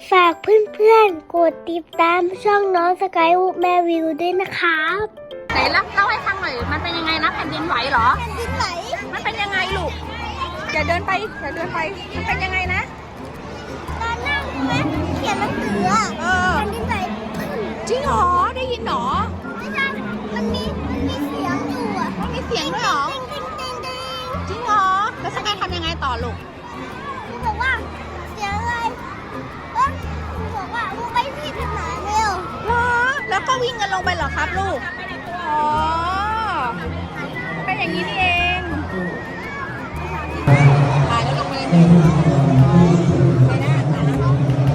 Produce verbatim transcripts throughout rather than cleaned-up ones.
ฝากเพื่อนๆกดติดตามช่องน้องสกายวูแม่วิวด้วยนะครับไหนเล่าเล่าให้ฟังหน่อยมันเป็นยังไงนะแผ่นดินไหวเหรอแผ่นดินไหวมันเป็นยังไงลูกอย่าเดินไปอย่าเดินไปมันเป็นยังไงนะตอนนั่งใช่ไหมเขียนหนังสือเออแผ่นดินไหวจริงเหรอได้ยินเหรอไม่ใช่มันมีมันมีเสียงอยู่อ่ะมันมีเสียงด้วยเหรอจริงเหรอแล้วสกายทำยังไงต่อลูกมึงบอกว่าเสียงอะไรเอ้ยมึงบอกว่ามึงไปที่ทางไหนเร็วเหรอแล้วก็วิ่งกันลงไปเหรอครับลูกอ๋อเป็นอย่างนี้นี่เองตายแล้วลงไปเลยไปนะตายแล้ว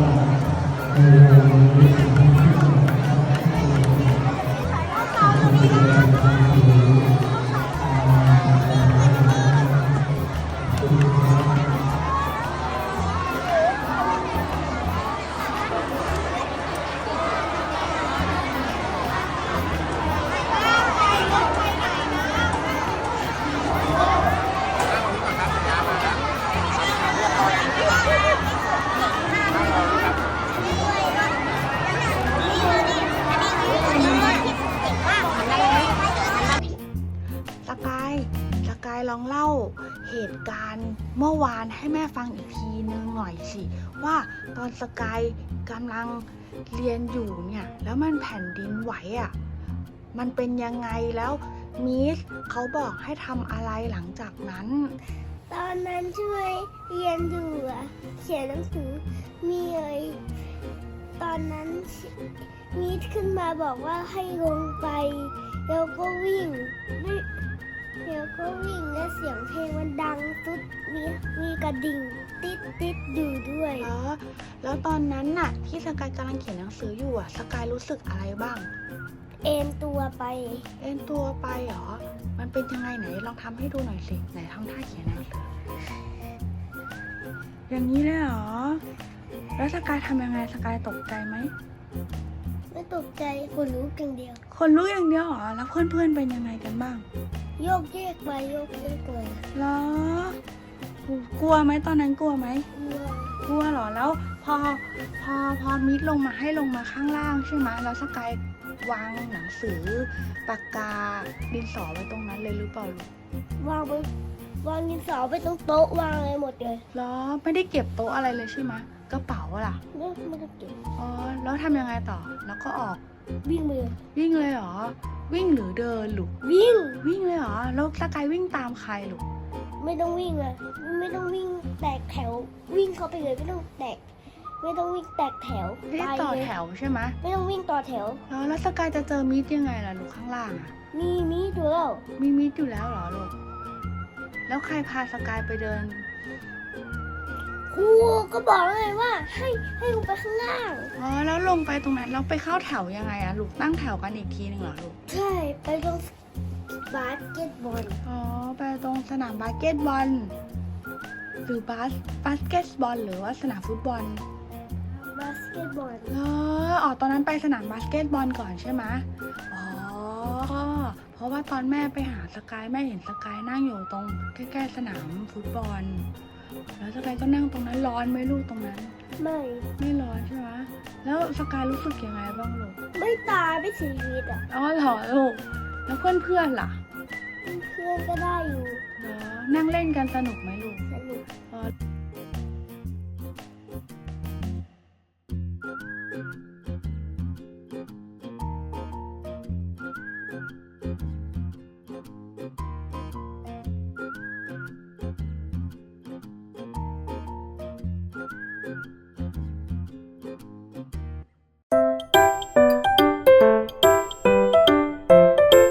สกายสกายลองเล่าเหตุการณ์เมื่อวานให้แม่ฟังอีกทีนึงหน่อยสิว่าตอนสกายกำลังเรียนอยู่เนี่ยแล้วมันแผ่นดินไหวอ่ะมันเป็นยังไงแล้วมิสเขาบอกให้ทำอะไรหลังจากนั้นตอนนั้นช่วยเรียนอยู่อะเขียนหนังสือมีอะไรตอนนั้นมีขึ้นมาบอกว่าให้ลงไปแล้วก็วิ่งแล้วก็วิ่งและเสียงเพลงมันดังสุดมีมีกระดิ่งติดติดอยู่ด้วยอ๋อแล้วตอนนั้นน่ะที่สกายกำลังเขียนหนังสืออยู่อ่ะสกายรู้สึกอะไรบ้างเอ็นตัวไปเอ็นตัวไปเหรอมันเป็นยังไงไหนลองทำให้ดูหน่อยสิไหนทำท่าเขียนหนังสืออย่างนี้เลยเหรอแล้วสกายทำยังไงสกายตกใจไหมไม่ตกใจคนรู้อย่างเดียวคนรู้อย่างเดียวเหรอแล้วเพื่อนๆเป็นยังไงกันบ้างโยกเยกไปโยกเยกเลยเหรอกลัวไหมตอนนั้นกลัวไหมกลัวกลัวเหรอแล้วพอพอพอมิดลงมาให้ลงมาข้างล่างใช่ไหมแล้วสกายวางหนังสือปากกาดินสอไว้ตรงนั้นเลยหรือเปล่าลูกวางไปวางดินสอไปตรงโต๊ะวางอะไรหมดเลยเหรอไม่ได้เก็บโต๊ะอะไรเลยใช่ไหมกระเป๋าล่ะไม่ไม่ได้เก็บอ๋อแล้วทำยังไงต่อแล้วก็ออกวิ่งเลยวิ่งเลยเหรอวิ่งหรือเดินลูกวิ่งวิ่งเลยเหรอแล้วสกายวิ่งตามใครลูกไม่ต้องวิ่งเลยไม่ต้องวิ่งแตกแถววิ่งเข้าไปเลยไม่ต้องแตกไม่ต้องวิ่งแตกแถวไปต่อแถวใช่ไหมไม่ต้องวิ่งต่อแถวแล้วแล้วสกายจะเจอมิดยังไงล่ะลูกข้างล่างอ่ะมีมิดอยู่แล้วมีมิดอยู่แล้วเหรอลูกแล้วใครพาสกายไปเดินครูก็บอกเลยว่าให้ให้ลงไปข้างล่างอ๋อแล้วลงไปตรงนั้นเราไปเข้าแถวยังไงอะลูกตั้งแถวกันอีกทีหนึ่งเหรอลูกใช่ไปตรงบาสเกตบอลอ๋อไปตรงสนามบาสเกตบอลหรือบาสบาสเกตบอลหรือว่าสนามฟุตบอลบาสเกตบอลเอออ๋อตอนนั้นไปสนามบาสเกตบอลก่อนใช่ไหมอ๋อเพราะว่าตอนแม่ไปหาสกายแม่เห็นสกายนั่งอยู่ตรงใกล้ๆสนามฟุตบอลแล้วสกายก็นั่งตรงนั้นร้อนไหมลูกตรงนั้นไม่ไม่ร้อนใช่ไหมแล้วสกายรู้สึกยังไงบ้างลูกไม่ตายไม่เสียชีวิตอ่ะอ๋อเหรอลูกแล้วเพื่อนเพื่อนล่ะเพื่อนก็ได้อยู่เหรอนั่งเล่นกันสนุกไหมลูกสนุกอ๋อ